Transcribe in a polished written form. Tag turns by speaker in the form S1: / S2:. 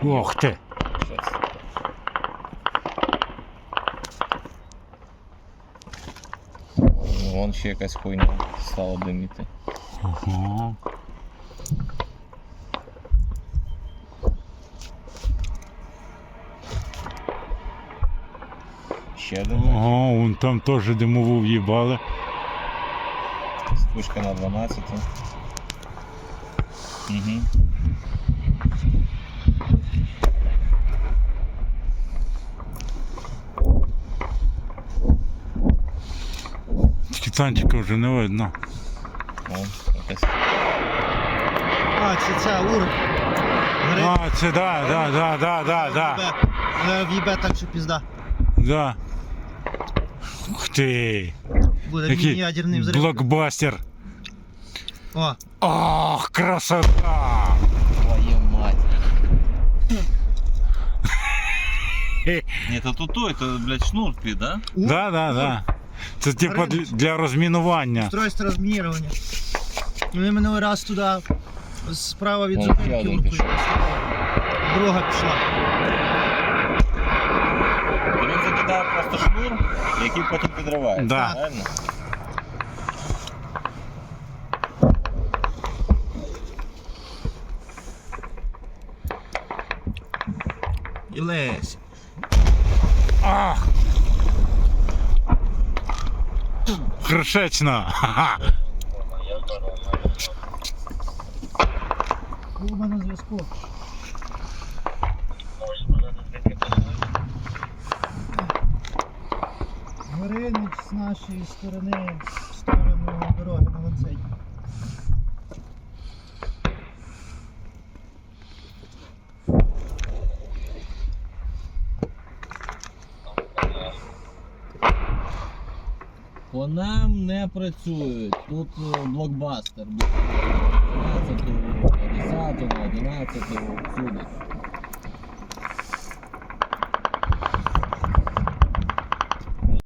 S1: Ох ти!
S2: Вон ще якась хуйня стала диміти.
S1: Ага.
S2: Ще один.
S1: Ага, вон там теж димову в'їбали.
S2: Спишка на 12. Угу.
S1: Тільки танчика вже не видно.
S2: Вон якась.
S3: А, це ур.
S1: А, це да.
S3: В'їбе так, що пізда.
S1: Да. Ух ти!
S3: Буде
S1: Який
S3: ядерний взрив.
S1: блокбастер.
S3: О,
S1: Ох, красота!
S2: Твою мать. Ні, то той, то, блядь, шнур під, да?
S1: Да. Це типа для розмінування.
S3: устройство розмінірування. Ми минулий раз туди справа від
S2: Вон
S3: зупинки
S2: ще один
S3: уркою.
S2: пішов.
S3: Друга пішла.
S2: Він закидає просто шнур, який потім підривається.
S1: Да.
S2: Правильно?
S3: І лезь.
S1: Ах! Хршечно! Ха-ха!
S3: Куба на зв'язку. Горинич з нашої сторони в сторону дороги на ланцеті.
S2: По нам не працюють. Тут блокбастер. 12, 10, 11, всюди.